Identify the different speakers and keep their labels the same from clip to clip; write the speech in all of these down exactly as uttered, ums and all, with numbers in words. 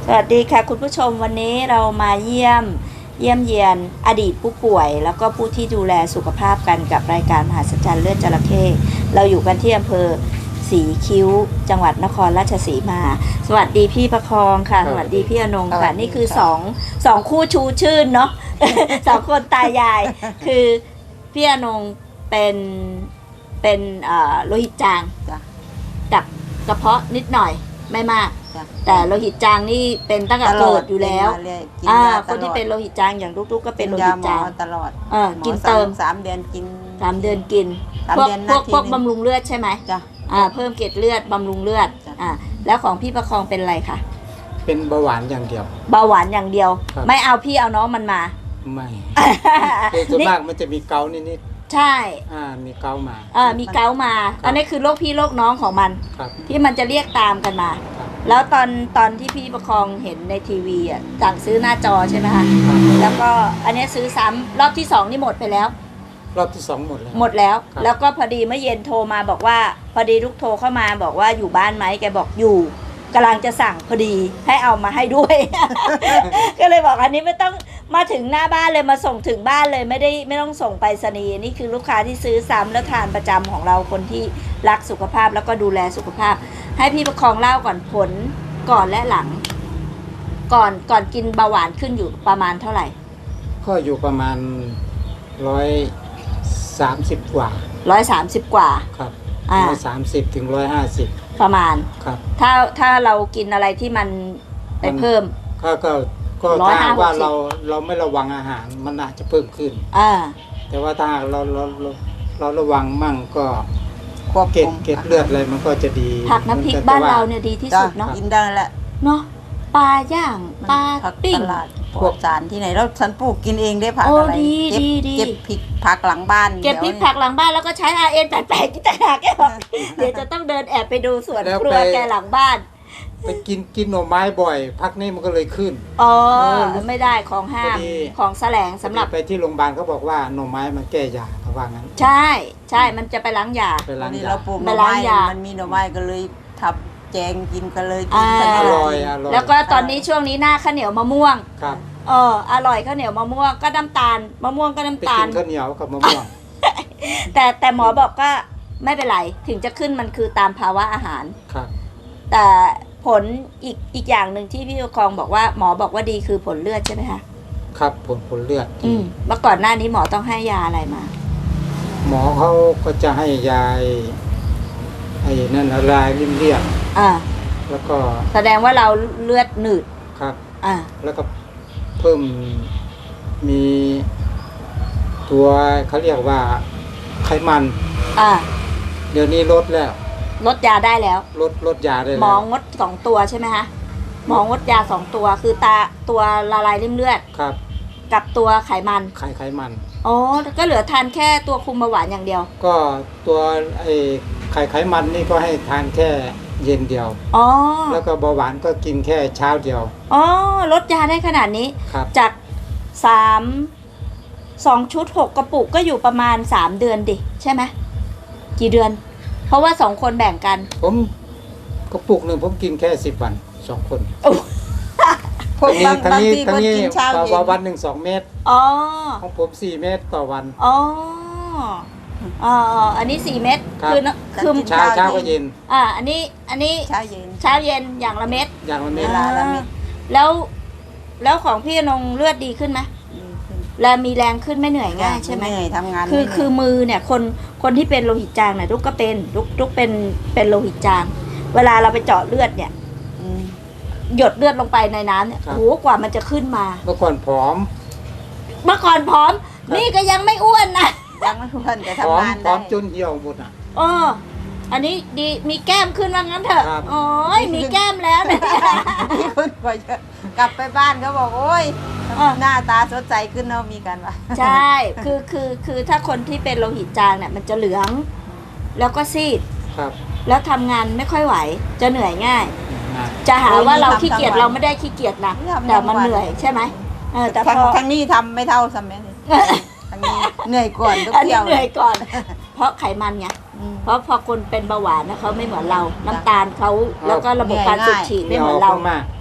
Speaker 1: สวัสดีค่ะคุณผู้ชมวันนี้เรามาเยี่ยมเยี่ยมเยียนอดีตผู้ป่วยแล้วก็ผู้ที่ดูแลสุขภาพกันกับรายการมหัศจรรย์เลือดจระเข้เราอยู่กันที่อำเภอศรีคิ้วจังหวัดนครราชสีมาสวัสดีพี่ประคองค่ะสวัสดีพี่อนงค่ะนี่คือสองสองคู่ชูชื่นเนาะ สองคนตายายคือพี่อนงเป็นเป็นโลหิตจางกับกระเพาะนิดหน่อยไม่มากแต่โลหิตจางนี่เป็นตั้งแต่เกิดอยู่แล้วอ่าคนที่เป็นโลหิตจางอย่างลูกๆก็เป็นโลหิตจาง
Speaker 2: ตลอด
Speaker 1: เออกินเติม
Speaker 2: สามเดือนกิน
Speaker 1: สามเดือนกินพวกพวกพวกบำรุงเลือดใช่ไหม
Speaker 2: จ้ะ
Speaker 1: อ่าเพิ่มเกล็ดเลือดบำรุงเลือดอ่าแล้วของพี่ประคองเป็นอะไรคะ
Speaker 3: เป็นเบาหวานอย่างเดียว
Speaker 1: เบาหวานอย่างเดียวไม่เอาพี่เอาน้องมันมา
Speaker 3: ไม่ส่วนมากมันจะมีเกาต์นิด
Speaker 1: ๆใช่
Speaker 3: อ่ามีเกาต์มา
Speaker 1: อ่ามีเกาต์มาอันนี้คือโรคพี่โรคน้องของมันที่มันจะเรียกตามกันมาแล้วตอนตอนที่พี่ประคองเห็นในทีวีอ่ะสั่งซื้อหน้าจอใช่ไหมคะแล้วก็อันนี้ซื้อซ้ำรอบที่สองนี่หมดไปแล้ว
Speaker 3: รอบที่สองหมดแล้ว
Speaker 1: หมดแล้วแล้วก็พอดีเมื่อเย็นโทรมาบอกว่าพอดีลูกโทรเข้ามาบอกว่าอยู่บ้านไหมแกบอกอยู่กำลังจะสั่งพอดีให้เอามาให้ด้วย ก็เลยบอกอันนี้ไม่ต้องมาถึงหน้าบ้านเลยมาส่งถึงบ้านเลยไม่ได้ไม่ต้องส่งไปรษณีย์นี่คือลูกค้าที่ซื้อซ้ำแล้วทานประจำของเราคนที่รักสุขภาพแล้วก็ดูแลสุขภาพให้พี่ประคองเล่าก่อนผลก่อนและหลังก่อนก่อนกินเบาหวานขึ้นอยู่ประมาณเท่าไหร่
Speaker 3: ก็อยู่ประมาณร้อยสามสิบกว่า
Speaker 1: ร้อยสามสิบกว่า
Speaker 3: ครับร้อยสามสิบถึงร้อยห้าสิบ
Speaker 1: ประมาณ
Speaker 3: ครับ
Speaker 1: ถ้าถ้าเรากินอะไรที่มันไปเพิ่ม
Speaker 3: ก็ก็ก็ถ้าว่าเราเราไม่ระวังอาหารมันอาจจะเพิ่มขึ้น
Speaker 1: อ่า
Speaker 3: แต่ว่าถ้าเราเราเราเราระวังมั่งก็เก็บเก็บเลือดอะไรมันก็จะดี
Speaker 1: ผักน้ำพริกบ้านเราเนี่ยดีที่สุดเนาะ
Speaker 2: กินได้แหละ
Speaker 1: เนาะปลาย่างปลาปิ้ง
Speaker 2: พวกสารที่ไหนแล้วฉันปลูกกินเองได้ผักอะไรเก็บเก็บพริกผักหลังบ้าน
Speaker 1: เก็บพริกผักหลังบ้านแล้วก็ใช้ อาร์ เอ็น แปดสิบแปดที่ต่างหากแกบอกเดี๋ยวจะต้องเดินแอบไปดูสวนครัวแกหลังบ้าน
Speaker 3: ไปกินกินหน่อไม้บ่อยพักนี้มันก็เลยขึ้น
Speaker 1: อ๋อไม่ได้ของห้ามของแสลงสำหรับ
Speaker 3: ไปที่โรงพยาบาลเขาบอกว่าหน่อไม้มันแก้ยาเขาว่างั้น
Speaker 1: ใช่ใช่มันจะไปล้างยา
Speaker 3: ไปล้างยา
Speaker 2: เราปลูกหน่อไม้มันมีหน่อไม้ก็เลยทับแจงกินกันเลยกิน
Speaker 3: อร่อยอร่อย
Speaker 1: แล้วก็ตอนนี้ช่วงนี้หน้าข้าวเหนียวมะม่วง
Speaker 3: ครับ
Speaker 1: เอออร่อยข้าวเหนียวมะม่วงก็น้ำตาลมะม่วงก็น้ำตาล
Speaker 3: ข้าวเหนียวกับมะม่วง
Speaker 1: แต่แต่หมอบอกก็ไม่เป็นไรถึงจะขึ้นมันคือตามภาวะอาหาร
Speaker 3: ครับ
Speaker 1: แต่ผลอีกอีกอย่างหนึ่งที่พี่ประคองบอกว่าหมอบอกว่าดีคือผลเลือดใช่ไหมคะ
Speaker 3: ครับผลผลเลือด
Speaker 1: อืมเมื่อก่อนหน้านี้หมอต้องให้ยาอะไรมา
Speaker 3: หมอเขาก็จะให้ยาไอ้นั่นลายริ่มเลือด
Speaker 1: อ่า
Speaker 3: แล้วก็
Speaker 1: แสดงว่าเราเลือดหนืด
Speaker 3: ครับ
Speaker 1: อ่า
Speaker 3: แล้วก็เพิ่มมีตัวเขาเรียกว่าไขมัน
Speaker 1: อ่า
Speaker 3: เดี๋ยวนี้ลดแล้ว
Speaker 1: ลดยาได้แล้ว
Speaker 3: ลดลดยาได้แล้ว
Speaker 1: หมองดสองตัวใช่ไหมคะหมองดยาสองตัวคือตาตัวละลายริ่มเลือด
Speaker 3: ครับ
Speaker 1: กับตัวไขมัน
Speaker 3: ไขไขมัน
Speaker 1: อ๋อก็เหลือทานแค่ตัวคุมเบาหวานอย่างเดียว
Speaker 3: ก็ตัวไอ้ไขไขมันนี่ก็ให้ทานแค่เย็นเดียว
Speaker 1: อ๋อ
Speaker 3: แล้วก็เบาหวานก็กินแค่เช้าเดียว
Speaker 1: อ๋อลดยาได้ขนาดนี้จากสามสองชุดหกกระปุกก็อยู่ประมาณสามเดือนดิใช่ไหมกี่เดือนเพราะว่าสองคนแบ่งกัน
Speaker 3: ผมกระปุกหนึ่งผมกินแค่สิบวันสองคน
Speaker 2: พวกบางบางทีคนกินเช้า
Speaker 3: เย็นวันหนึ่งสองเม็ด
Speaker 1: อ๋อ
Speaker 3: ของผมสี่เม็ดต่อวัน
Speaker 1: อ๋ออ๋ออันนี้สี่เม็ด
Speaker 3: คือคือเช้าเช้าก็เย็น
Speaker 1: อ่าอันนี้อันนี้
Speaker 2: เช้าเย็น
Speaker 1: เช้าเย็นอย่างละเม็ด
Speaker 3: อย่างละเม็ด
Speaker 1: ละเม็ดแล้วแล้วของพี่นงเลือดดีขึ้นไหมแล้วมีแรงขึ้นไม่เหนื่อยง่ายใช่ไหม
Speaker 2: เหนื่อยทำงาน
Speaker 1: คือคือมือเนี่ยคนคนที่เป็นโลหิตจางเนี่ยทุกก็เป็นทุกทุกเป็นเป็นโลหิตจางเวลาเราไปเจาะเลือดเนี่ยหยดเลือดลงไปในน้ำเนี่ยโอ้โหกว่ามันจะขึ้นมา
Speaker 3: เมื่อก่อนผอม
Speaker 1: เมื่อก่อนผอมนี่ก็ยังไม่อ้วนนะ
Speaker 2: ยังไม่อ้วนแต่ทำงานได้
Speaker 3: ผอมจนเหี่ยวหมดอ่ะ
Speaker 1: อ๋ออันนี้ดีมีแก้มขึ้นว่างั้นเถอะโอ้ยมีแก้มแล้วเนี่ย
Speaker 2: คุณพอกลับไปบ้านเขาบอกโอ้ยหน้าตาสดใสขึ้นเนาะมีกันวะ
Speaker 1: ใช่คือคือคือถ้าคนที่เป็นโลหิตจางเนี่ยมันจะเหลืองแล้วก็ซีด
Speaker 3: ครับ
Speaker 1: แล้วทำงานไม่ค่อยไหวจะเหนื่อยง่ายจะหาว่าเราขี้เกียจเราไม่ได้ขี้เกียจนะแต่มันเหนื่อยใช่ไหมเออแต่พอ
Speaker 2: ทั้งนี้ทำไม่เท่าซัมเมนทั้งนี้เหนื่อยก่อนทุกเที่ยว
Speaker 1: เหนื่อยก่อนเพราะไขมันไงเพราะพอคนเป็นเบาหวานนะเขาไม่เหมือนเราน้ำตาลเขาแล้วก็ระบบการสูบฉีดไม่เหมือนเรา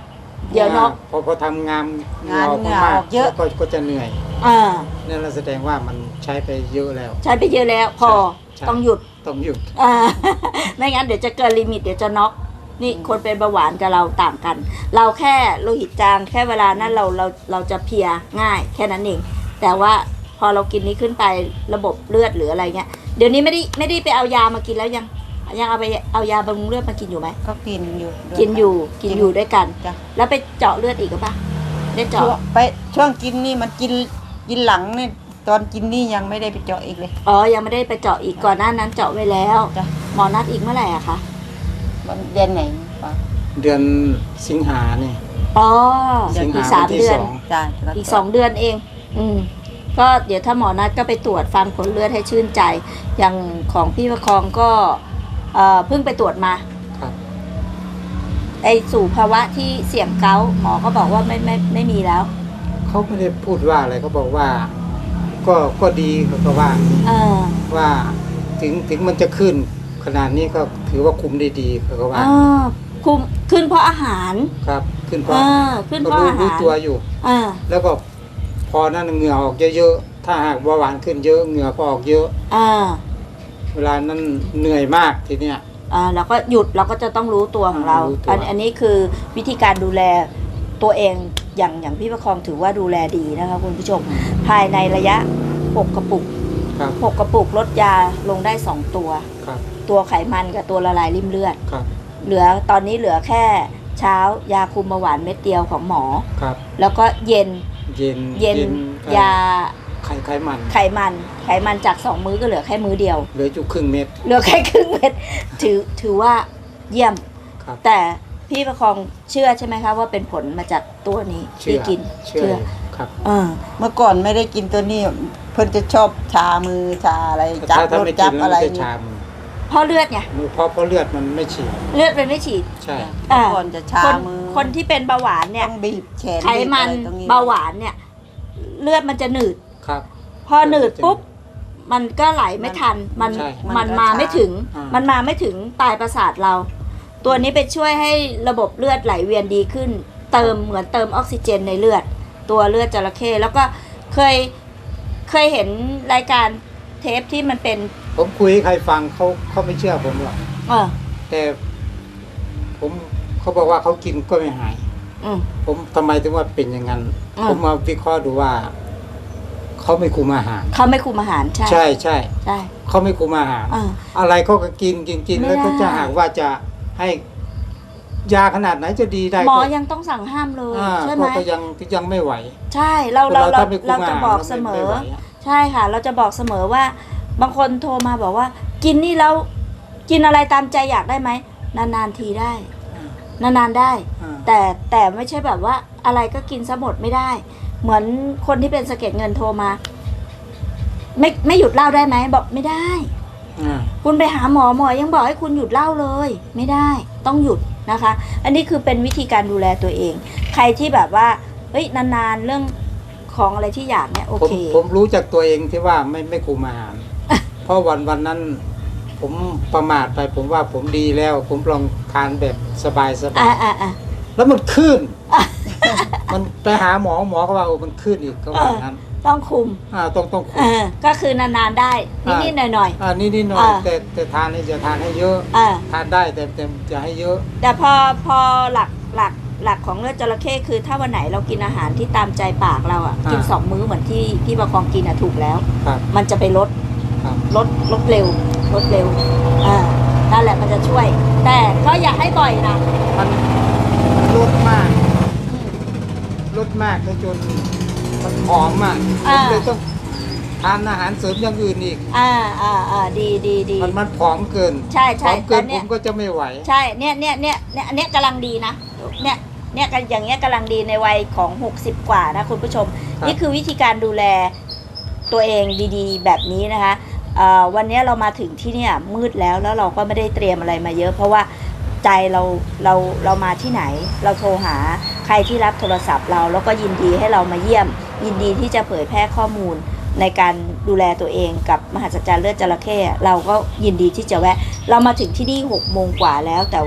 Speaker 1: เดี๋ยวเนาะ
Speaker 3: พอพอทำงาน
Speaker 2: งาน
Speaker 3: เห
Speaker 2: เหงื่
Speaker 3: งื่
Speaker 2: อ
Speaker 3: อ
Speaker 2: ออกเยอะ
Speaker 3: ก็ก็จะเหนื่อย
Speaker 1: อ่า
Speaker 3: นั่นเราแสดงว่ามันใช้ไปเยอะแล้ว
Speaker 1: ใช้ไปเยอะแล้วพอ
Speaker 3: ใช่
Speaker 1: ต้องหยุด
Speaker 3: ต้องหยุด
Speaker 1: อ่า ไม่งั้นเดี๋ยวจะเกินลิมิตเดี๋ยวจะน็อกนี่คนเป็นเบาหวานกับเราต่างกัน เราแค่โลหิตจางแค่เวลานั้นเราเราเราจะเพลียง่ายแค่นั้นเองแต่ว่าพอเรากินนี้ขึ้นไประบบเลือดหรืออะไรเงี้ยเดี๋ยวนี้ไม่ได้ไม่ได้ไปเอายามากินแล้วยังยังเอาไปเอายาบำรุงเลือดมากินอยู่ไหม
Speaker 2: ก็กินอยู่ด้วย
Speaker 1: กินอยู่กินอยู่ด้วยกัน
Speaker 2: จ้ะ
Speaker 1: แล้วไปเจาะเลือดอีกหรือเปล่าได้
Speaker 2: ช่ว
Speaker 1: เจาะ
Speaker 2: งไปช่วงกินนี่มันกินกินหลังนี่ตอนกินนี่ยังไม่ได้ไปเจาะอีกเลย
Speaker 1: อ๋อยังไม่ได้ไปเจาะอีกก่อนหน้านั้นเจาะไว้แล้ว
Speaker 2: จ้ะ
Speaker 1: หมอนัดอีกเมื่อไหร่อะคะ
Speaker 2: มันเดือนไหนปะ
Speaker 3: เดือนสิงหาเนี่ย
Speaker 1: อ๋อ
Speaker 3: สิงหา
Speaker 1: อีกสาม
Speaker 3: วันที่
Speaker 1: เดือน
Speaker 3: สอง
Speaker 2: จ้ะ
Speaker 1: อีกสองเดือนเอง อืม ก็เดี๋ยวถ้าหมอนัดก็ไปตรวจฟังผลเลือดให้ชื่นใจ อย่างของพี่ประคองก็เอ่อเพิ่งไปตรวจมา
Speaker 3: ครับ
Speaker 1: ไอสู่ภาวะที่เสี่ยงเกาต์หมอก็บอกว่าไม่ไม่ไม่มีแล้ว
Speaker 3: เขาไม่ได้พูดว่าอะไรเขาบอกว่า ก็ก็ดีเขาก็ว่า
Speaker 1: เออ
Speaker 3: ว่าถึงถึงมันจะขึ้นขนาดนี้ก็ถือว่าคุมได้ดีเขาก็ว่า
Speaker 1: อ่าคุมขึ้นเพราะอาหาร
Speaker 3: ครับ ขึ้นเพ
Speaker 1: เอ
Speaker 3: ราะ
Speaker 1: อขึ้น
Speaker 3: ก็
Speaker 1: เพราะ
Speaker 3: รู้
Speaker 1: อา
Speaker 3: รู้
Speaker 1: หาร
Speaker 3: ตัวอยู่
Speaker 1: อ่า
Speaker 3: แล้วก็พอนั่นเหงื่อออกเยอะๆถ้าหากเบาหวานขึ้นเยอะเหงื่อก็ออกเยอะ
Speaker 1: อ่า
Speaker 3: เวลานั้นเหนื่อยมากทีเนี้ย
Speaker 1: อ่าเราก็หยุดเราก็จะต้องรู้ตัวของเรา
Speaker 3: รู้ตัว
Speaker 1: อันอันนี้คือวิธีการดูแลตัวเองอย่างอย่างพี่ประคองถือว่าดูแลดีนะคะคุณผู้ชม ภายในระยะหกกระปุก
Speaker 3: ครับ
Speaker 1: หกกระปุกลดยาลงได้สองตัว
Speaker 3: ครับ
Speaker 1: ตัวไขมันกับตัวละลายริ่มเลือด
Speaker 3: ครับ
Speaker 1: เหลือตอนนี้เหลือแค่เช้ายาคุมเบาหวานเม็ดเดียวของหมอ
Speaker 3: ครับ
Speaker 1: แล้วก็เย็น
Speaker 3: เย็น
Speaker 1: เย็น
Speaker 3: เอ่อย
Speaker 1: า
Speaker 3: ไข่ไขมัน
Speaker 1: ไขมันไขมันจากสองมื้อก็เหลือแค่มื้อเดียว
Speaker 3: เหลือจุครึ่งเม็ด
Speaker 1: เหลือแค่ครึ่งเม็ดถือถือว่าเยี่ยม
Speaker 3: ครับ
Speaker 1: แต่พี่ประคองเชื่อใช่ไหมคะว่าเป็นผลมาจากตัวนี้
Speaker 3: เชื่
Speaker 1: ที่
Speaker 3: อ
Speaker 1: กิน
Speaker 3: เชื่อครับ
Speaker 1: เออ
Speaker 2: เมื่อก่อนไม่ได้กินตัวนี้ เพิ่นจะชอบชามือชาอะไรจับ
Speaker 3: ถ้าถ้าร
Speaker 2: ถ
Speaker 3: ไม่กิ
Speaker 2: จั
Speaker 3: น
Speaker 2: บ
Speaker 3: แล้ว
Speaker 2: อะไร
Speaker 3: มันจะ
Speaker 2: นี่
Speaker 3: ชามือ
Speaker 1: เพราะเลือดไง
Speaker 3: มือเพราะเพราะเลือดมันไม่ฉีด
Speaker 1: เลือดเป็นไม่ฉีด
Speaker 3: ใช่
Speaker 2: เมื่อก่อนจะชา
Speaker 1: คน
Speaker 2: มือ
Speaker 1: คนที่เป็นเบาหวานเนี่ย
Speaker 2: ต้องบีบแขน
Speaker 1: ไขมัน
Speaker 2: บีบอะไรตรงนี้
Speaker 1: เบาหวานเนี่ย เลือดมันจะหนืด
Speaker 3: ครับ
Speaker 1: พอหนืดปุ๊บมันก็ไหลไม่ทัน มัน
Speaker 3: ใช่
Speaker 1: มันมาไม่ถึง
Speaker 3: อ่ามั
Speaker 1: มันมาไม่ถึงปลายประสาทเรา ตัวนี้ไปช่วยให้ระบบเลือดไหลเวียนดีขึ้น เติมเหมือนเติมออกซิเจนในเลือด ตัวเลือดจระเข้แล้วก็เคยเคยเห็นรายการเทปที่มันเป็น
Speaker 3: ผมคุยให้ใครฟังเขาเขาไม่เชื่อผมหรอก
Speaker 1: เออ
Speaker 3: แต่ผมเขาบอกว่าเขากินก็ไม่หาย
Speaker 1: อืม
Speaker 3: ผมทำไมถึงว่าเป็นอย่างนั้น
Speaker 1: อ่า
Speaker 3: ผมมาวิเคราะห์ดูว่าเขาไม่คุมอาหาร
Speaker 1: เขาไม่คุมอาหารใช่
Speaker 3: ใช่ใช่
Speaker 1: ใช่
Speaker 3: เขาไม่คุมอาหาร
Speaker 1: เออ
Speaker 3: อะไรเขาก็กินกินกิน
Speaker 1: ไม่
Speaker 3: แล้วก็
Speaker 1: ได้
Speaker 3: จะหากว่าจะให้ยาขนาดไหนจะดีได้
Speaker 1: หมอ
Speaker 3: ก็
Speaker 1: ยังต้องสั่งห้ามเลย
Speaker 3: อ่า
Speaker 1: ใช่ไหม
Speaker 3: ก็ก็ยังยังไม่ไหว
Speaker 1: ใช่เราเราเรา
Speaker 3: ถ้ไม่คุม
Speaker 1: เรา
Speaker 3: อา
Speaker 1: จะ
Speaker 3: หาร
Speaker 1: บอก
Speaker 3: รา
Speaker 1: เสม
Speaker 3: ไไ
Speaker 1: อ
Speaker 3: ไหวะ
Speaker 1: ใช่ค่ะ เราจะบอกเสมอว่า บางคนโทรมาบอกว่า กินนี่แล้วกินอะไรตามใจอยากได้ไหมนานๆทีได้ นานๆได้
Speaker 3: อ่า
Speaker 1: แต่แต่ไม่ใช่แบบว่าอะไรก็กินซะหมดไม่ได้ เหมือนคนที่เป็นสะเก็ดเงินโทรมา ไม่ไม่หยุดเหล้าได้ไหมบอกไม่ได้
Speaker 3: อ่า
Speaker 1: คุณไปหาหมอหมอยังบอกให้คุณหยุดเหล้าเลย ไม่ได้ต้องหยุดนะคะ อันนี้คือเป็นวิธีการดูแลตัวเอง ใครที่แบบว่าเฮ้ยนานๆเรื่องของอะไรที่อยากเนี่ยโอ
Speaker 3: ผม
Speaker 1: เค
Speaker 3: ผมรู้จากตัวเองที่ว่าไม่ไม่คุมอาหาร เพราะวันวันนั้น ผมประมาทไป ผมว่าผมดีแล้ว ผมลองทานแบบสบายสบา
Speaker 1: อ่าย อ่าอ่า
Speaker 3: แล้วมันขึ้น มันไปหาหมอหมอก็ว่าโอ้มันขึ้นอีกก็ว่างั้น
Speaker 1: ต้องคุม
Speaker 3: อ่าต้องต้องคุ
Speaker 1: เอ
Speaker 3: ม
Speaker 1: อก็คือนานๆได้นิดๆหน่อย
Speaker 3: อ่านี่นี่หน่อย
Speaker 1: อ่า
Speaker 3: แต่แต่ทานนี่จะทานให้เยอะ
Speaker 1: ๆอ่า
Speaker 3: ทานได้แต่แต่จะให้เยอะ
Speaker 1: แต่พอพอหลักหลักหลักของเลือดจระเข้คือถ้าวันไหนเรากินอาหารที่ตามใจปากเราอ่ะ
Speaker 3: อ่ากิ
Speaker 1: กินสองมื้อเหมือนที่พี่ประคองกินอ่ะถูกแล้ว
Speaker 3: ครับ
Speaker 1: มันจะไปลด
Speaker 3: ครับ
Speaker 1: ลดลดเร็วลดเร็วอ่านั่นแหละมันจะช่วย แต่ก็อย่าให้บ่อยนะ
Speaker 3: มันมันลดมากลดมากจนจนมันผอมอ่ะผมเลยต้องทานอาหารเสริมอย่างอื่นอีก
Speaker 1: อ่าอ่าอ่าดีดีดี
Speaker 3: มันมันผอมเกิน
Speaker 1: ใช่
Speaker 3: ผ
Speaker 1: ใช่
Speaker 3: อมเกิน
Speaker 1: แต่
Speaker 3: ผ
Speaker 1: เนี่ย
Speaker 3: มก็จะไม่ไหว
Speaker 1: ใช่เนี่ยเนี่ยเนี่ยเนี่ยอันเนี้ยกำลังดีนะเนี่ยเนี่ยกันอย่างเงี้ยกำลังดีในวัยของหกสิบกว่านะคุณผู้ชม
Speaker 3: ครับ
Speaker 1: นี่คือวิธีการดูแลตัวเองดีๆ แบบนี้นะคะเอ่อวันนี้เรามาถึงที่เนี่ยมืดแล้วแล้วเราก็ไม่ได้เตรียมอะไรมาเยอะ เพราะว่าใจเราเราเรามาที่ไหน เราโทรหาใครที่รับโทรศัพท์เราแล้วก็ยินดีให้เรามาเยี่ยม ยินดีที่จะเผยแพร่ข้อมูลในการดูแลตัวเองกับมหัศจรรย์เลือดจระเข้เราก็ยินดีที่จะแวะ เรามาถึงที่นี่หกโมงกว่าแล้ว แต่ว่า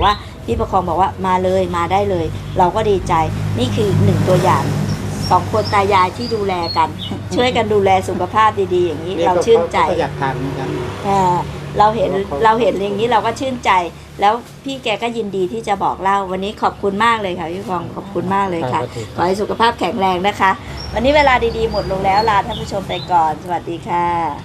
Speaker 1: พี่ประคองบอกว่ามาเลยมาได้เลย เราก็ดีใจนี่คือหนึ่งตัวอย่างสองคนตายายที่ดูแลกัน ช่วยกันดูแลสุขภาพดีๆ อย่างนี้เราชื่นใจ
Speaker 3: ก็อยากทานเหมือนกัน
Speaker 1: อ่าเราเห็นเราเห็นอย่างนี้เราก็ชื่นใจ แล้วพี่แกก็ยินดีที่จะบอกเล่าวันนี้ขอบคุณมากเลยค่ะพี่พองขอบคุณมากเลยค่ะ ขอให้สุขภาพแข็งแรงนะคะ วันนี้เวลาดีๆหมดลงแล้วลาท่านผู้ชมไปก่อนสวัสดีค่ะ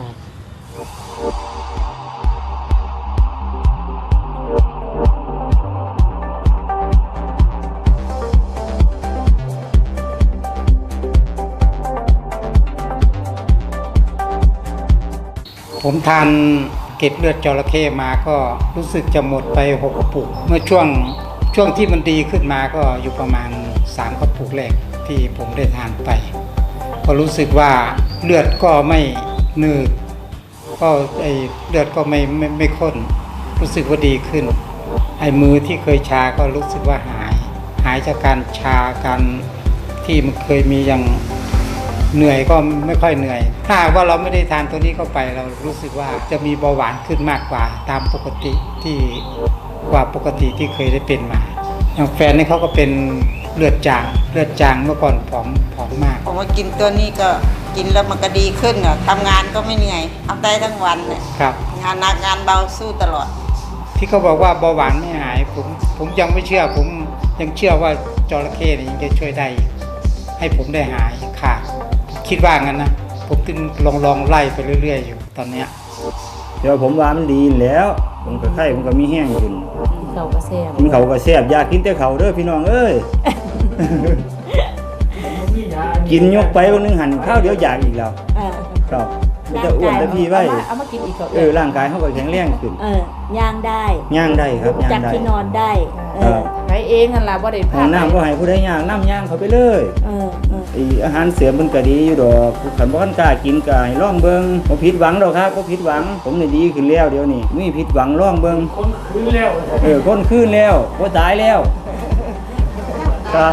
Speaker 3: ผมทานเกล็ดเลือดจระเข้มาก็รู้สึกจะหมดไปหกกระปุกเมื่อช่วงช่วงที่มันดีขึ้นมาก็อยู่ประมาณสามกระปุกแรกที่ผมได้ทานไปก็รู้สึกว่าเลือดก็ไม่หนืดก็ไอเลือดก็ไม่ไม่ไม่ข้นรู้สึกว่าดีขึ้นไอมือที่เคยชาก็รู้สึกว่าหายหายจากการชาการที่มันเคยมีอย่างเหนื่อยก็ไม่ค่อยเหนื่อยถ้าหากว่าเราไม่ได้ทานตัวนี้เข้าไปเรารู้สึกว่าจะมีเบาหวานขึ้นมากกว่าตามปกติที่กว่าปกติที่เคยได้เป็นมาอย่างแฟนนี่เขาก็เป็นเลือดจางเลือดจางเมื่อก่อนผอมผอมมาก
Speaker 2: ผมมากินตัวนี้ก็กินแล้วมันก็ดีขึ้นอ่ะทำงานก็ไม่เหนื่อยทำได้ทั้งวันเนี่ย
Speaker 3: ครับ
Speaker 2: งานหนักงานเบาสู้ตลอด
Speaker 3: ที่เขาบอกว่าเบาหวานไม่หายผมผมยังไม่เชื่อผมยังเชื่อว่าจระเข้นี่ยังจะช่วยได้อีกให้ผมได้หายขาดคิดว่างั้นนะผมจึงลองลองไล่ไปเรื่อยๆอยู่ตอนเนี้ย
Speaker 4: เดี๋ยวผมว่ามันดีแล้วผมก็ไข่ผมก็มีแห้งขึ้น
Speaker 5: เขาก็แซ่บ
Speaker 4: กินเขาวก็แซ่บอยากกินแต่เขาวเด้อพี่น้องเอ้ย กินยกไปวันนึงหันข้าวเดี๋ยวอยากอีกแล้ว
Speaker 1: เออ
Speaker 4: ครับมันจะอ้วนแต่พี่ไว้
Speaker 5: เอามาเอามากินอีกเขา
Speaker 4: เออร่างกายเขาก็แข็งแรงขึ้น
Speaker 1: เออย่างได้
Speaker 4: ย่างได้ครับย่า
Speaker 1: จาก
Speaker 4: งได้
Speaker 1: ที่นอนได้เอ
Speaker 4: เอ
Speaker 1: อ
Speaker 4: อ
Speaker 5: ไปเองนั่นล่ะบ่ได้
Speaker 4: ห้
Speaker 5: พา
Speaker 4: อง
Speaker 5: ไป
Speaker 4: น้ำก็ให้ผู้ใดย่างน้ำย่างเขาไปเลย
Speaker 1: เออเออ
Speaker 4: ไออาหารเสริมมันก็ดีอยู่ดอกขันบ่คันกล้ากินก็ให้ลองเบิ่งบ่ผิดหวังดอกครับบ่ผิดหวัง ผมนี่ดีขึ้นแล้วเดี๋ยวนี้มีผิดหวังลองเบิ่งคนคืนแล้วเออคนคืนแล้วบ่ตายแล้วครับ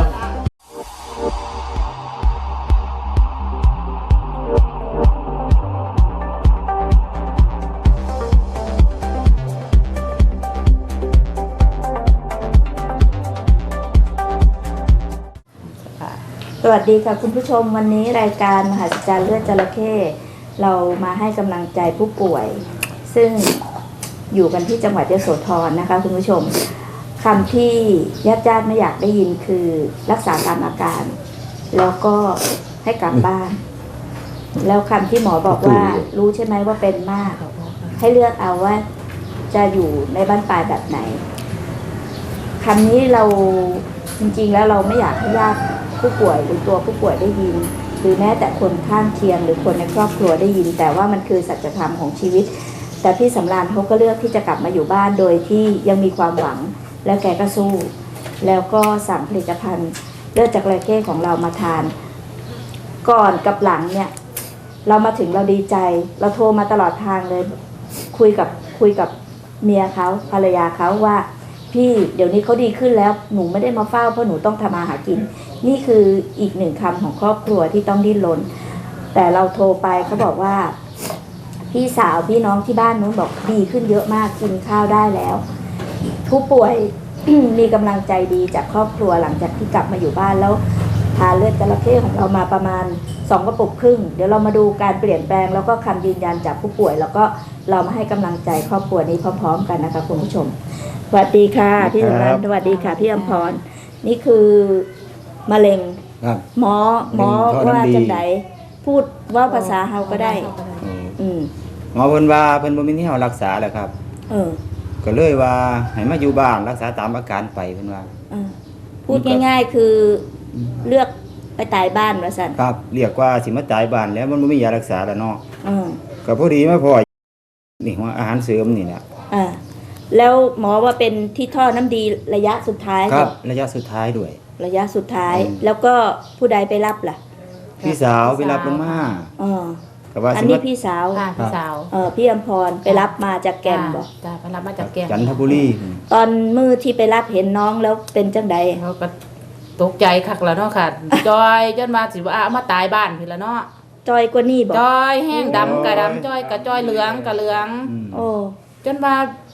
Speaker 1: สวัสดีค่ะคุณผู้ชมวันนี้รายการมหัศจรรย์เลือดจระเข้เรามาให้กำลังใจผู้ป่วย ซึ่งอยู่กันที่จังหวัดยโสธรนะคะคุณผู้ชมคำที่ญาติญาติไม่อยากได้ยินคือรักษาตามอาการ แล้วก็ให้กลับบ้าน แล้วคำที่หมอบอกว่ารู้ใช่ไหมว่าเป็นมาก ให้เลือกเอาว่าจะอยู่ในบ้านปลายแบบไหนคำนี้เราจริงๆแล้วเราไม่อยากให้ญาติผู้ป่วยหรือตัวผู้ป่วยได้ยิน หรือแม้แต่คนข้างเคียงหรือคนในครอบครัวได้ยิน แต่ว่ามันคือสัจธรรมของชีวิต แต่พี่สำราญเขาก็เลือกที่จะกลับมาอยู่บ้านโดยที่ยังมีความหวัง แล้วแกก็สู้ แล้วก็สั่งผลิตภัณฑ์เลือดจากจระเข้ของเรามาทาน ก่อนกับหลังเนี่ย เรามาถึงเราดีใจ เราโทรมาตลอดทางเลย คุยกับคุยกับเมียเขาภรรยาเขาว่า พี่เดี๋ยวนี้เขาดีขึ้นแล้วหนูไม่ได้มาเฝ้าเพราะหนูต้องทำมาหากิน นี่คืออีกหนึ่งคำของครอบครัวที่ต้องดิ้นรนแต่เราโทรไปเขาบอกว่า พี่สาวพี่น้องที่บ้านนู้นบอกดีขึ้นเยอะมากกินข้าวได้แล้ว ผู้ป่วย มีกำลังใจดีจากครอบครัวหลังจากที่กลับมาอยู่บ้านแล้วทานเลือดจระเข้ของเรามาประมาณสองกระปุกครึ่งเดี๋ยวเรามาดูการเปลี่ยนแปลงแล้วก็คำยืนยันจากผู้ป่วย แล้วก็เรามาให้กำลังใจครอบครัวนี้พร้อม ๆ กันนะคะคุณผู้ชมสวัสดีค่ะพี่สำราญสวัสดีค่ะพี่อมพรนี่คือมะเร็ง
Speaker 4: ครับ
Speaker 1: หมอหมอ
Speaker 4: มะเร็งท่อ
Speaker 1: ว่า
Speaker 4: น้ำดี
Speaker 1: จังไดพูดว่าภาษาเฮาก็ได้ อืม
Speaker 4: หมอเพิ่นว่าเพิ่นบ่มีที่เฮารักษาแหละครับ
Speaker 1: เออ
Speaker 4: ก็เลยว่าให้มาอยู่บ้านรักษาตามอาการไปเพิ่นว่า
Speaker 1: เออพูดง่าย ๆ คือเลือกไปตายบ้านว่าซั่น
Speaker 4: ครับเรียกว่าสิมาตายบ้านแล้วมันบ่มียารักษาแล้วเนาะ
Speaker 1: เออ
Speaker 4: ก็พอดีมาพอนี่ว่าอาหารเสริมนี่แหละ
Speaker 1: อ่าแล้วหมอว่าเป็นที่ท่อน้ำดีระยะสุดท้าย
Speaker 4: ครับ
Speaker 1: เหอ
Speaker 4: ระยะสุดท้ายด้วย
Speaker 1: ระยะสุดท้าย
Speaker 4: อืม
Speaker 1: แล้วก็ผู้ใดไปรับล่ะ
Speaker 4: พี่สาวไปรับลงมา
Speaker 1: เออ
Speaker 4: ก็ว่า
Speaker 1: อัน
Speaker 4: สิ
Speaker 1: นี้
Speaker 4: มา
Speaker 1: พี่สาว
Speaker 5: ค่ะพี่สาว
Speaker 1: เออพี่อมพรไปรับมาจากแก่นบอก
Speaker 5: จ้าไปรับมาจากแก่น
Speaker 4: จันทบุรี
Speaker 1: ตอนมือที่ไปรับเห็นน้องแล้วเป็นจังใด
Speaker 5: เขาก็ตกใจคักแล้วเนาะค่ะ จอยจนมาสิว่าเอามาตายบ้านพี่ละเนาะ
Speaker 1: จอยกว่านี่บอก
Speaker 5: จอยแห้งดำกะดำจอยกะจอยเหลืองกะเหลือง
Speaker 4: อืม
Speaker 1: โอ้
Speaker 5: จนว่า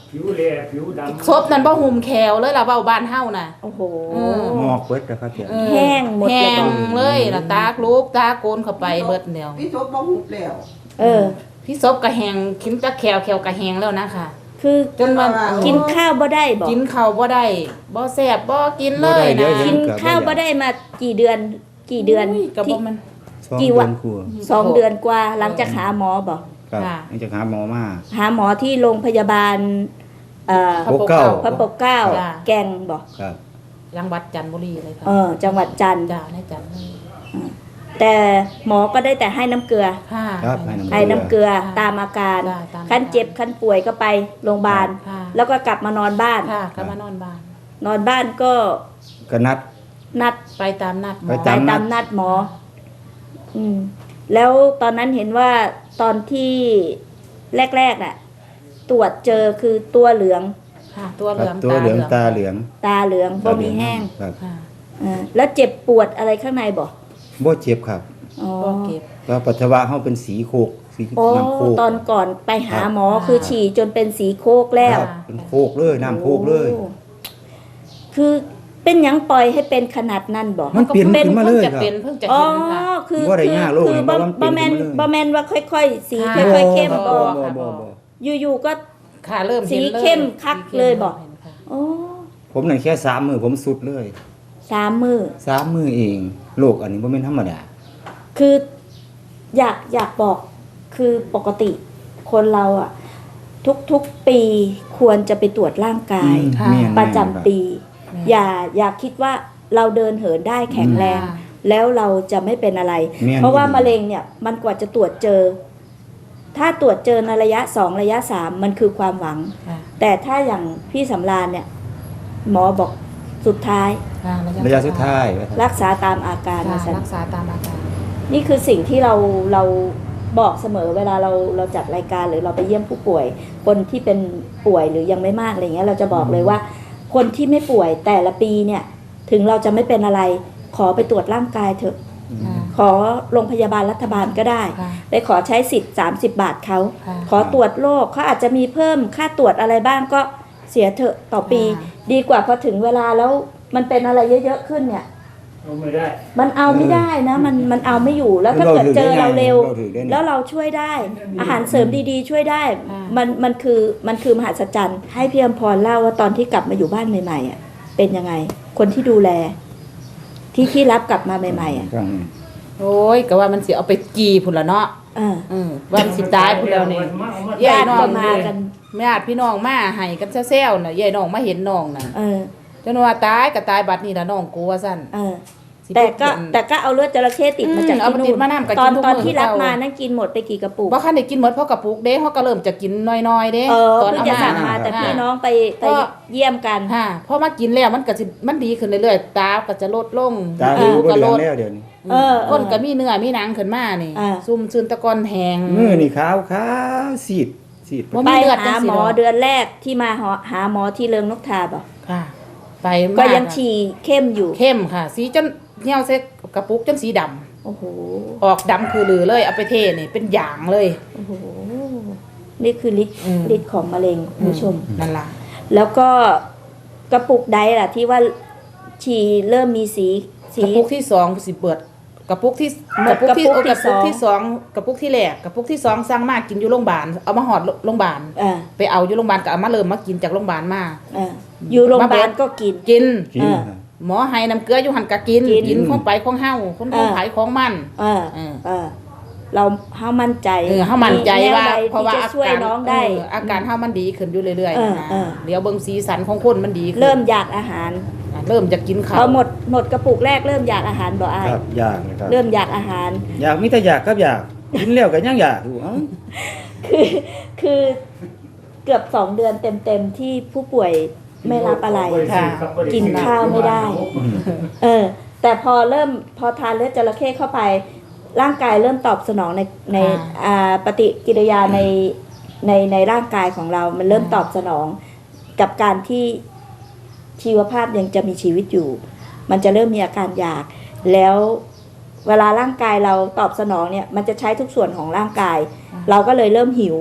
Speaker 6: ผิวแหล่ผิวดำ
Speaker 5: ศพนั้นบ่หุ่มแขวเลยล่ะเว้าบ้านเฮาน่ะ
Speaker 1: โอ้โห
Speaker 4: หมอกเบิดนะครับเดี๋ยว
Speaker 5: เออ
Speaker 1: แห้งหมดเลย
Speaker 5: แห้งเลยล่ะตากลูกตาโกนเข้าไปเบิดเดียว
Speaker 2: พี่ทบบ่หุบแล้ว
Speaker 1: เออ
Speaker 5: พี่ศพก็แห้งกินตะแขวแขวก็แห้งแล้วนะคะ
Speaker 1: คือ
Speaker 5: จนว่า
Speaker 1: กินข้าวบ่ได้บอก
Speaker 5: กินข้าวบ่ได้บ่แซ่บบ่กินเลยนะ
Speaker 1: กินข้าวบ่ได้มากี่เดือนกี่เดือน
Speaker 5: อุ้ยก็
Speaker 1: ที่
Speaker 5: บ่มัน
Speaker 4: สอง
Speaker 1: กี่
Speaker 4: เดื
Speaker 1: วั
Speaker 4: อน นครัว
Speaker 1: สองเดือนกว่าหลังจากหาหมอบอก
Speaker 4: ครับ
Speaker 5: ค่ะ
Speaker 4: นี่จะหาหมอมา
Speaker 1: หาหมอที่โรงพยาบาลเอ่อ
Speaker 4: พระปกเกล้า
Speaker 1: พระปกเกล้า
Speaker 5: จ้ะ
Speaker 1: แกงบอก
Speaker 4: ครับ
Speaker 5: จังหวัดจันทบุรีเลยค่ะ
Speaker 1: เออจังหวัดจันทร์
Speaker 5: จ้าในจันทร์เลย
Speaker 1: แต่หมอก็ได้แต่ให้น้ำเกลือ
Speaker 5: ค่ะ
Speaker 4: ครับให้น้ำ
Speaker 1: ให้น้ำเกลือ
Speaker 5: ค่ะ
Speaker 1: ตามอาการ
Speaker 5: จ้ะตามอาการ
Speaker 1: ขั้นเจ็บขั้นป่วยก็ไปโรงพยาบาล
Speaker 5: ค่ะ
Speaker 1: แล้วก็กลับมานอนบ้าน
Speaker 5: ค่ะก็มานอนบ้าน
Speaker 1: นอนบ้านก็
Speaker 4: ก็นัด
Speaker 1: นัด
Speaker 5: ไปตามนัดหม
Speaker 4: ไป
Speaker 5: อ
Speaker 1: ไป
Speaker 4: ตาม
Speaker 1: ตามนัดหมอ อืม แล้วตอนนั้นเห็นว่าตอนที่แรกๆน่ะ ตรวจเจอคือตัวเหลือง
Speaker 5: ค่ะ ตัวเห
Speaker 4: ครั
Speaker 5: ลื
Speaker 4: บ
Speaker 5: อง
Speaker 4: ตัวเหลืองตาเหลือง
Speaker 1: ตาเหลืองบ่มีแห้ง
Speaker 4: ครับ
Speaker 5: ค่ะ
Speaker 1: เออแล้วเจ็บปวดอะไรข้างในบ่
Speaker 4: บ่เจ็บครับ
Speaker 1: อ๋อ
Speaker 5: ก็เก็บ
Speaker 4: แล้วปัสสาวะเฮาเป็นสีโคกสี
Speaker 1: โอ้
Speaker 4: น้ำโคก
Speaker 1: ตอนก่อนไปหาหมอ
Speaker 5: ครับ
Speaker 1: คือฉี่จนเป็นสีโคกแล้ว
Speaker 4: ครับเป็นโคกเลยน้ำโคกเลย
Speaker 1: โอ้คือเป็นหยังปล่อยให้เป็นขนาดนั้นบ่
Speaker 4: มันเปลี่ยนขึ้นมาเลย
Speaker 5: พิ่งจะ
Speaker 4: ครับ
Speaker 5: เป็นเพิ่งจะ
Speaker 1: อ๋อ
Speaker 5: เห็นค่ะ
Speaker 1: คือ
Speaker 4: บ่ได้
Speaker 1: คื
Speaker 4: ยากโลก
Speaker 1: คื
Speaker 4: นี่
Speaker 1: บ่
Speaker 4: เพราะว่ามันเปลี่
Speaker 1: บ่
Speaker 4: ยน
Speaker 1: แมน
Speaker 4: ขึ้นมาเลย
Speaker 1: บ่แมนว่าค่อย ๆ สี
Speaker 5: ค่ะ
Speaker 1: ค่อยๆเข้ม
Speaker 4: บ่
Speaker 1: บ่
Speaker 4: บ่บ่บ่
Speaker 1: อยู่ๆก็
Speaker 5: ค่ะเริ่มห็น
Speaker 1: สี
Speaker 5: ลย
Speaker 1: เข้มคักเลยบอก
Speaker 5: ห็นค่ะ
Speaker 1: โอ้
Speaker 4: ผมนั่นแค่สามมือผมสุดเลย
Speaker 1: สามมือ
Speaker 4: สามมือเองโรคอันนี้บ่แม่นธรรมดา
Speaker 1: คืออยากอยากบอกคือปกติคนเราอะทุกๆปีควรจะไปตรวจร่างกาย
Speaker 5: ค่ะ
Speaker 4: แม่น
Speaker 1: ประจำปี
Speaker 5: แม่น
Speaker 1: อย่าอย่าคิดว่าเราเดินเหินได้แข็งแรง
Speaker 5: ค่ะ
Speaker 1: แล้วเราจะไม่เป็นอะไร
Speaker 4: แม่น
Speaker 1: เพราะว่ามะเร็งเนี่ยมันกว่าจะตรวจเจอ ถ้าตรวจเจอในระยะสองระยะสามมันคือความหวัง
Speaker 5: ค่ะ
Speaker 1: แต่ถ้าอย่างพี่สำราญเนี่ย หมอบอกสุดท้าย
Speaker 5: ค่ะ
Speaker 4: ระยะสุดท้าย
Speaker 1: รักษาตามอาการ
Speaker 5: ค่ะ
Speaker 1: นะสัน
Speaker 5: รักษาตามอาการ
Speaker 1: นี่คือสิ่งที่เราเราบอกเสมอเวลาเราเราจัดรายการหรือเราไปเยี่ยมผู้ป่วย คนที่เป็นป่วยหรือยังไม่มากอะไรเงี้ยเราจะบอกเลยว่า คนที่ไม่ป่วยแต่ละปีเนี่ย ถึงเราจะไม่เป็นอะไร ขอไปตรวจร่างกายเถอะ
Speaker 5: ค่ะ
Speaker 1: ขอโรงพยาบาลรัฐบาลก็ได้
Speaker 5: ค่ะ
Speaker 1: ไปขอใช้สิทธิ์สามสิบบาทเขา
Speaker 5: ค่ะ
Speaker 1: ขอตรวจโรคเขาอาจจะมีเพิ่มค่าตรวจอะไรบ้างก็เสียเถอะต่อปี
Speaker 5: ค่ะ
Speaker 1: ดีกว่าพอถึงเวลาแล้วมันเป็นอะไรเยอะๆขึ้นเนี่ย
Speaker 6: เอาไม่ได้
Speaker 1: มันเอาไม่ได้นะ มันมันเอาไม่อยู่แล้วถ้าเกิดเจอเราเร็ว
Speaker 4: เราถือได้ไง
Speaker 1: แล้วเราช่วยได้ อาหารเสริมดีๆ ช่วยได้
Speaker 5: อ่ามั
Speaker 1: มันมันคือมันคือมหัศจรรย์ให้พี่อมพรเล่าว่าตอนที่กลับมาอยู่บ้านใหม่ๆอ่ะเป็นยังไง คนที่ดูแล ที่ที่รับกลับมาใหม่ๆอ่ะ
Speaker 4: ครับ
Speaker 5: โอ้ยก็ว่ามันสิเอาไปกีพุ่นละเนาะ
Speaker 1: เออ
Speaker 5: อืมว่ามันสิตายพุ่นแล้วนี่
Speaker 1: ญาติ
Speaker 5: น้อ
Speaker 1: ก็
Speaker 5: ง
Speaker 1: มากัน
Speaker 5: ญาติพี่น้องมาให้กันแซวๆน่ะยายน้องมาเห็นน้องน่ะ
Speaker 1: เออ
Speaker 5: จนว่าตายก็ตายบัดนี้ล่ะน้องกูว่าซั่น
Speaker 1: เออ
Speaker 5: สิ
Speaker 1: แต่ก็
Speaker 5: เป็น
Speaker 1: แต่ก็เอาเลือดจระเข้ติดมาจาก
Speaker 5: อืมเอา
Speaker 1: ที่
Speaker 5: ติ
Speaker 1: นู่
Speaker 5: ด
Speaker 1: น
Speaker 5: มานำก็
Speaker 1: ตอน
Speaker 5: กินทุก
Speaker 1: ตอน
Speaker 5: มื้อ
Speaker 1: ที่รับ
Speaker 5: เก่าม
Speaker 1: มานั่นกินหมดไปกี่กระปุก
Speaker 5: บ่คันได้กินหมดเพราะกระปุกเด้เฮาก็เริ่มจะกินน้อยๆเด้
Speaker 1: เออ
Speaker 5: ตอน
Speaker 1: เพิ่ง
Speaker 5: เอา
Speaker 1: จะ
Speaker 5: มา
Speaker 1: สั่งมาแต่พี่น้องไปไปเยี่ยมกัน
Speaker 5: ฮะพอมากินแล้วมันก็สิมันดีขึ้นเรื่อยๆตาก็จะลดลง
Speaker 4: ตา
Speaker 5: ผิ
Speaker 4: ดู
Speaker 5: ว
Speaker 4: บ่
Speaker 5: ก็
Speaker 4: เหลื
Speaker 5: ล
Speaker 4: อง
Speaker 5: ด
Speaker 4: แล้วเดี๋ยวนี้
Speaker 1: เออ
Speaker 5: ก้นก็มีเนื้อมีหนังขึ้นมานี่
Speaker 1: อ่า
Speaker 5: ซุ่มซึนตะกอนแหง
Speaker 4: มือนี่ขาวขาวซีดซีด
Speaker 5: บ่
Speaker 1: ไป
Speaker 5: มีเลือด
Speaker 1: หา
Speaker 5: จังสิ
Speaker 1: หมอ
Speaker 5: ดอก
Speaker 1: เดือนแรกที่มาหาหาหมอที่เริงนกทาบ่
Speaker 5: ค่ะ ไป
Speaker 1: ก็
Speaker 5: มาก
Speaker 1: ยังฉี่เข้มอยู่
Speaker 5: เข้มค่ะ สีจนเหี่ยวเซ็กกระปุกจนสีดำ
Speaker 1: โอ้โห
Speaker 5: ออกดำคือหลือเลยเอาไปเทนี่เป็นหยางเลย
Speaker 1: โอ้โห นี่คือฤทธิ์
Speaker 5: อืม
Speaker 1: ฤทธิ์ของมะเร็งคุณผู้ชม
Speaker 5: นั่นล่ะ
Speaker 1: แล้วก็กระปุกใดล่ะที่ว่าฉี่เริ่มมีสีสี
Speaker 5: กระปุกที่สองสิเปิดกระปุกที่
Speaker 1: หม
Speaker 5: ก
Speaker 1: ด
Speaker 5: ระปุกที่
Speaker 1: กระปุก
Speaker 5: โอ้กระปุก
Speaker 1: ที่
Speaker 5: ที่
Speaker 1: ส
Speaker 5: ส
Speaker 1: อ
Speaker 5: อง งกระปุกที่แรกกระปุกที่สองสั่งมากินอยู่โรงพยาบาลเอามาหอดโรงพยาบาล
Speaker 1: อ่า
Speaker 5: ไปเอาอยู่โรงพยาบาลก็เอามาเริ่มมากินจากโรงพยาบาลมา
Speaker 1: อ่าอยู่โรงพยาบาลก็กิน
Speaker 5: กิน
Speaker 4: กิน
Speaker 1: อ่า
Speaker 4: ครับ
Speaker 5: หมอให้น้ำเกลืออยู่หันกะกิน
Speaker 1: กิน
Speaker 5: กินของไปของเฮาคนของ
Speaker 1: อ่า
Speaker 5: ขายของมัน
Speaker 1: เออ
Speaker 5: เออ
Speaker 1: เออ เราเฮามั่นใจ
Speaker 5: เออเฮามั่นใจว่า
Speaker 1: แนใด
Speaker 5: เพราะว่า
Speaker 1: ที่จะ
Speaker 5: อา
Speaker 1: ช่วย
Speaker 5: การ
Speaker 1: น้องได้
Speaker 5: เอออาการเฮามันดีขึ้นอยู่เรื่อย
Speaker 1: เออ
Speaker 5: ๆนะ
Speaker 1: เออ
Speaker 5: เดี๋ยวเบิ่งสีสันของคนมันดีขึ้น
Speaker 1: เริ่มอยากอาหาร
Speaker 5: อ่ะเริ่มจะกินข้า
Speaker 1: พอ
Speaker 5: ว
Speaker 1: หมดหมดกระปุกแรกเริ่มอยากอาหารบ่อาย
Speaker 4: ครับอยากนะครับ
Speaker 1: เริ่มอยากอาหาร
Speaker 4: อยากมีแต่อยากครับอยากกินแล้วก็ยังอยากอยู่เอ้า
Speaker 1: คือคือเกือบสองเดือนเต็มๆที่ผู้ป่วยไม่รับอะไร
Speaker 5: ค่ะ
Speaker 1: กินข้าวไม่ได้ เออ แต่พอเริ่มพอทานเลือดจระเข้เข้าไป ร่างกายเริ่มตอบสนองในในอ่าปฏิกิริยาในในในร่างกายของเรา มันเริ่มตอบสนองกับการที่ชีวภาพยังจะมีชีวิตอยู่ มันจะเริ่มมีอาการอยาก แล้วเวลาร่างกายเราตอบสนองเนี่ย มันจะใช้ทุกส่วนของร่างกาย เราก็เลยเริ่มหิว
Speaker 5: ค่ะ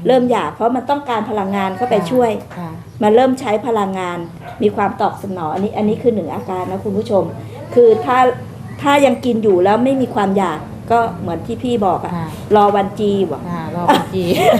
Speaker 1: เริ่มอยากเพราะมันต้องการพลังงานเข้าไปช่วย
Speaker 5: ค่ะ
Speaker 1: มันเริ่มใช้พลังงานมีความตอบสนองอันนี้อันนี้คือหนึ่งอาการนะคุณผู้ชม คือถ้าถ้ายังกินอยู่แล้วไม่มีความอยากก็เหมือนที่พี่บอกอะ
Speaker 5: ค่ะ
Speaker 1: รอวันจีบอก
Speaker 5: ค่ะรอวันจี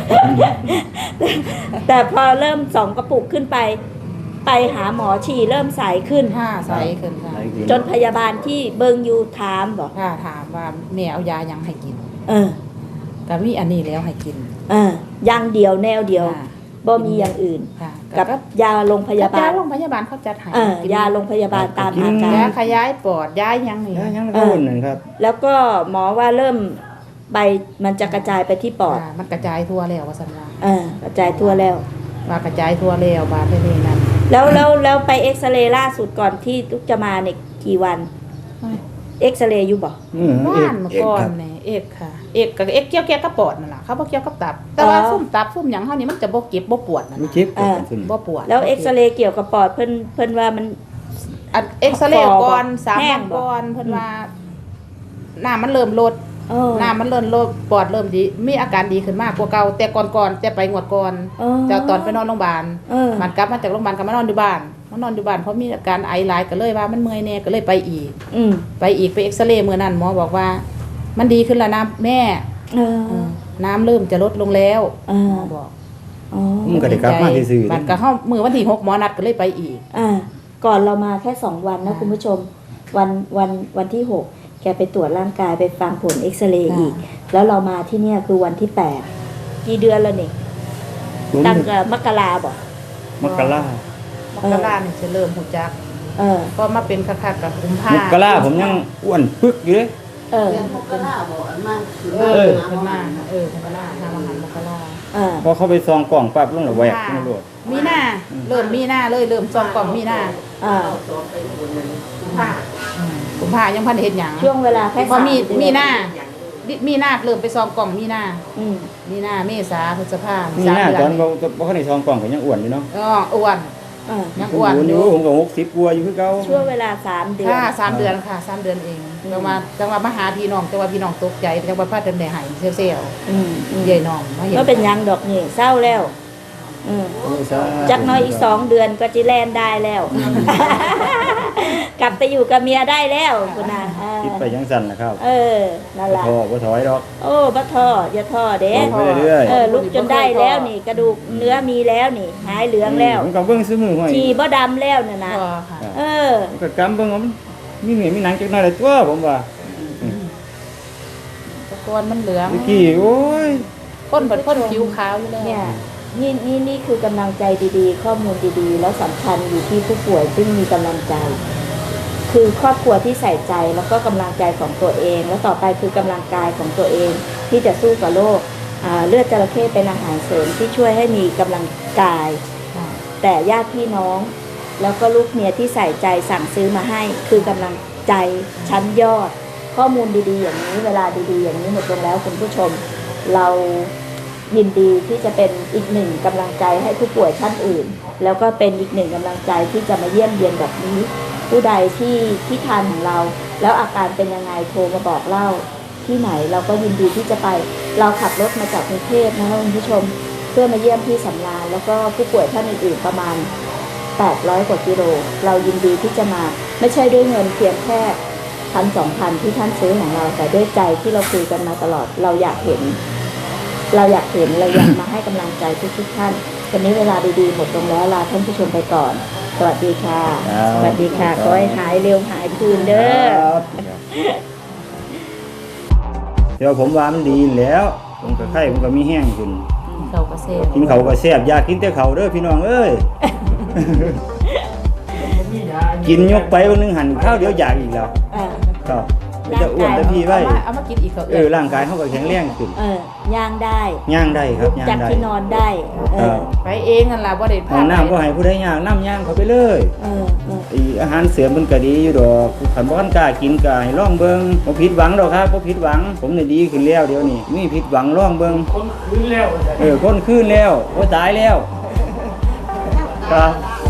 Speaker 1: แต่พอเริ่มสองกระปุกขึ้นไป ไปหาหมอฉี่เริ่มใสขึ้น
Speaker 5: ห้าใสขึ้นค่ะ
Speaker 1: จนพยาบาลที่เบิงอยู่ถามบอก
Speaker 5: ค่ะถามว่าแม่เอายายังให้กิน
Speaker 1: เออ
Speaker 5: ก็มีอันนี้แล้วให้กิน
Speaker 1: เอออย่างเดียวแนวเดียว
Speaker 5: ค่ะ
Speaker 1: บ่มีอย่างอื่น
Speaker 5: ค่ะ
Speaker 1: กับยาโรงพยาบาล
Speaker 5: โรงพยาบาลเขาจัดให้
Speaker 1: เออยาโรงพยาบาลตามอาการ
Speaker 5: ยาขยายปอดยายังนี่
Speaker 4: ยายังก็อุ่นนั่นครับ
Speaker 1: แล้วก็หมอว่าเริ่มใบมันจะกระจายไปที่ปอด
Speaker 5: ค่ะมันกระจายทั่วแล้วว่าซั่นว่า
Speaker 1: เออกระจายทั่วแล้ว
Speaker 5: ว่ากระจายทั่วแล้วบาดเท่านี้นั่น
Speaker 1: แล้วแล้วแล้วไปเอ็กซเรย์ล่าสุดก่อนที่ทุกจะมาเนี่ยกี่วัน เอ็กซเรย์อยู่บ่
Speaker 4: อืม
Speaker 5: บ้านเมื่อก่อนนี่เอกค่ะ เอกกับเอกเกี่ยวแก่กับปอดนั่นล่ะเขาบ่เกี่ยวกับตับ แต่ว่า
Speaker 1: อ๋อ
Speaker 5: ซุ่มตับซุ่มหยังเฮานี่มันจะบ่เก็บบ่ปวดนั่น
Speaker 4: มี
Speaker 5: น่ะ
Speaker 4: เจ็บ
Speaker 1: อ่า
Speaker 4: ขึ้น
Speaker 5: บ่ปวด
Speaker 1: แล้วเอ็กซเรย์เกี่ยวกับปอดเพิ่นเพิ่นว่ามัน
Speaker 5: อันเอ็กซเรย์ก่อนสาม
Speaker 1: แห้
Speaker 5: วั
Speaker 1: ง
Speaker 5: น
Speaker 1: บ่
Speaker 5: ก่อนเพิ่นว่าน้ำมันเริ่มลด
Speaker 1: เออ
Speaker 5: น้ำมันเริ่มลดปอดเริ่มดีมีอาการดีขึ้นมากกว่าเก่าแต่ก่อนๆแต่ไปงวดก่อน
Speaker 1: เออ
Speaker 5: แต่ตอนไปนอนโรงพยาบาล
Speaker 1: เออ
Speaker 5: มันกลับมาจากโรงพยาบาลก็มานอนอยู่บ้านมานอนอยู่บ้านเพราะมีอาการไอหลายก็เลยว่ามันเมื่อยแน่ก็เลยไปอีก
Speaker 1: อืม
Speaker 5: ไปอีกไปเอ็กซเรย์มื้อนั้นหมอบอกว่า มันดีขึ้นแล้วนะแม่
Speaker 1: เออ
Speaker 5: น้ำเริ่มจะลดลงแล้ว
Speaker 1: เอ
Speaker 5: ห
Speaker 1: อ
Speaker 5: มอบอก
Speaker 1: อ๋อ
Speaker 4: มันก็ได้กลับมาซื่อๆ
Speaker 5: บัดก็เฮามื้อวันที่หกหมอนัดก็เลยไปอีก
Speaker 1: อ่าก่อนเรามาแค่สองวันนะคุณผู้ชม วันวันวันที่หกแกไปตรวจร่างกายไปฟังผลเอ็กซเรย์
Speaker 5: ค่ะ
Speaker 1: อีก แล้วเรามาที่เนี่ยคือวันที่แปดกี่เดือนแล้วนี่
Speaker 4: ผม
Speaker 1: ตั้งแต่มกราบอก
Speaker 4: มกรา
Speaker 5: มกราเนี่ยจะเริ่มหูจัก
Speaker 1: เออ
Speaker 5: ก็มาเป็นคักๆกับกุมภาม
Speaker 4: กราผมยังอ้วนปึกอยู่เลย
Speaker 1: เออ
Speaker 5: เออขึ้นมาเออขึ้นมาเออมกราทำอาหารมกรา
Speaker 1: เออ
Speaker 4: พอเข้าไปซองกล่องปั๊บลงระแวกลงโลด
Speaker 5: มีหน้าเริ่มมีหน้าเลยเริ่มซองกล่องมีหน้า
Speaker 1: อ่า
Speaker 5: กุมภายังพันเฮ็ดหยัง
Speaker 1: ช่วงเวลาแค่
Speaker 5: พอมี
Speaker 1: สามเดือน
Speaker 5: มีหน้ามีหน้าเริ่มไปซองกล่องมีหน้า
Speaker 1: อืม
Speaker 5: มีหน้าเมษาพฤษภา
Speaker 4: นี่
Speaker 5: สาม
Speaker 4: หน้า
Speaker 5: เดื
Speaker 4: ต
Speaker 5: อ
Speaker 4: อน นบ่บ่เข้าในซองกล่องก็ยังอ้วนอยู่เนาะ
Speaker 5: อ๋ออ้วน
Speaker 1: เออ
Speaker 5: ยัง
Speaker 4: ผม
Speaker 5: อ้วน
Speaker 4: อ้วน
Speaker 5: อ
Speaker 4: อยู่
Speaker 5: ยู่
Speaker 4: ผมก็หกสิบกว่าอยู่คือเก่า
Speaker 1: ช่วงเวลาสามเดือน
Speaker 5: ค่ะสามเดือนค่ะสามเดือนเองจังว่าจังว่ามาหาพี่น้องจังว่าพี่น้องตกใจจังว่าพาเดินได้หายเซลล์
Speaker 1: อืมอืม
Speaker 5: ใหญ่น้องมาเห็น
Speaker 1: ก็เป็นหยังดอกนี่เศร้าแล้ว อืม
Speaker 4: โอ้สาธุ
Speaker 1: จักน้อยอีกสองเดือนก็จะแล่นได้แล้ว กลับไปอยู่กับเมียได้แล้วคุณนาเออ
Speaker 4: คิดไปยังสั่นนะครับ
Speaker 1: เออนั่น
Speaker 4: บ่
Speaker 1: ล่ะ
Speaker 4: ท้อบ่ถอยดอก
Speaker 1: โอ้บัท่ออย่าท่อเด้
Speaker 4: ไปเรื่อยๆ
Speaker 1: เออลุกจนได้แล้วนี่ กระดูกเนื้อมีแล้วนี่ หายเหลืองแล้ว
Speaker 4: ผมก็เบิ่งซื้อมือห้อย
Speaker 1: ชีบ่ดำแล้วน่ะนะ
Speaker 5: พอค่ะ
Speaker 1: เออ
Speaker 4: ผมก็กำเบิ่งว่ามันมีเหนื่อยมีหนังจักหน่อยละตัวผมว่า
Speaker 5: แตะกอนมันเหลือง
Speaker 4: เมื่อกี้โอ้ย
Speaker 5: พ่นเปิดพ่นผิวขาวอยู่เลย
Speaker 1: เนี่ยนี่นี่นี่คือกำลังใจดีๆ ข้อมูลดีๆ แล้วสำคัญอยู่ที่ผู้ป่วยซึ่งมีกำลังใจ คือครอบครัวที่ใส่ใจแล้วก็กำลังใจของตัวเอง แล้วต่อไปคือกำลังกายของตัวเอง ที่จะสู้กับโรคอ่าเลือดจระเข้เป็นอาหารเสริมที่ช่วยให้มีกำลังกาย
Speaker 5: ค่ะ
Speaker 1: แต่ญาติพี่น้อง แล้วก็ลูกเมียที่ใส่ใจสั่งซื้อมาให้ คือกำลังใจชั้นยอด ข้อมูลดีๆ อย่างนี้เวลาดีๆ อย่างนี้หมดลงแล้วคุณผู้ชม เรายินดีที่จะเป็นอีกหนึ่งกำลังใจให้ผู้ป่วยท่านอื่น แล้วก็เป็นอีกหนึ่งกำลังใจที่จะมาเยี่ยมเยียนแบบนี้ ผู้ใดที่ที่ทานของเรา แล้วอาการเป็นยังไงโทรมาบอกเล่าที่ไหนเราก็ยินดีที่จะไป เราขับรถมาจากกรุงเทพนะคะคุณผู้ชม เพื่อมาเยี่ยมที่สำราญแล้วก็ผู้ป่วยท่านอื่นๆประมาณแปดร้อยกว่ากิโลเรายินดีที่จะมาไม่ใช่ด้วยเงินเพียงแค่พันสองพันที่ท่านซื้อของเรา แต่ด้วยใจที่เราคุยกันมาตลอดเราอยากเห็น เราอยากเห็นเราอยากมาให้กำลังใจทุกๆท่านวันนี้เวลาดีๆหมดลงแล้วลาท่านผู้ชมไปก่อน สวัสดีค่ะ
Speaker 4: ครับ
Speaker 1: สวัสดีค่ะขอให้หายเร็วหายคืนเด้อ
Speaker 4: ครับเดี๋ยวผมว่ามันดีแล้ว ผมก็ไข้ผมก็มีแห้งขึ้น
Speaker 5: เขาก็เซ่
Speaker 4: กินเขาวก็แซ่บอยากกินแต่เขาวเด้อพี่น้องเอ้ย กินยกไปวันหนึงหันข้าวเดียวอยากอีกแล้ว
Speaker 1: อ่า
Speaker 4: ครับมันจะอ้วนแต่พี่ไว้
Speaker 5: เอามาเอามากินอีกเขา
Speaker 4: เออร่างกายเขาก็แข็งแรงขึ้น
Speaker 1: เออย่างได้
Speaker 4: ย่างได้ครับย่าง
Speaker 1: จาก
Speaker 4: ได้
Speaker 1: ที่นอนได้เอ
Speaker 4: ครั
Speaker 1: อบ
Speaker 5: ไปเองนั่นล่ะบ่ได้
Speaker 4: ห้
Speaker 5: พา
Speaker 4: อง
Speaker 5: ไป
Speaker 4: น้ำก็ให้ผู้ใดย่างน้ำย่างเขาไปเลย
Speaker 1: เออเออ
Speaker 4: ไออาหารเสริมมันก็ดีอยู่ดอกขันบ่คันกล้ากินก็ให้ลองเบิ่งบ่ผิดหวังดอกครับบ่ผิดหวัง ผมนี่ดีขึ้นแล้วเดี๋ยวนี้มีผิดหวังลองเบิ่ง
Speaker 6: คนคืนแล้ว
Speaker 4: เออคนคืนแล้วบ่ตายแล้วครับ